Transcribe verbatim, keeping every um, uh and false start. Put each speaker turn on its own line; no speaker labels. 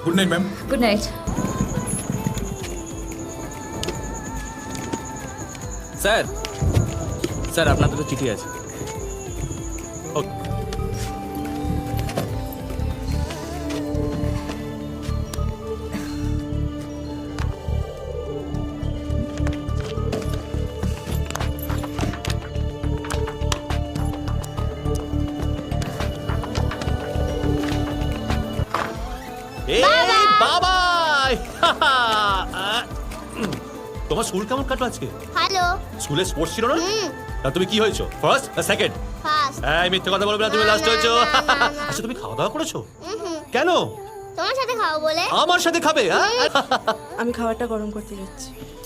Good night ma'am.
Good night.
Sir sir আপনার দুটো চিঠি আছে।
ওকে। এই বাবা তোমার স্কুল কেমন কাটলো আজকে?
হ্যালো।
স্কুলে স্পোর্টস ছিল না?
হুম।
তা তুমি কি হয়েছো, ফার্স্ট না সেকেন্ড?
ফার্স্ট।
এই মিথ্যে কথা বলবে না, তুমি
না,
লাস্ট
না,
হয়েছো।
না, না, না।
আচ্ছা তুমি খাওয়া দাওয়া করেছো?
হুম।
কেন?
তোমার সাথে খাবো বলে।
আমার সাথে খাবে? হ্যাঁ?
আমি খাবারটা গরম করতে যাচ্ছি।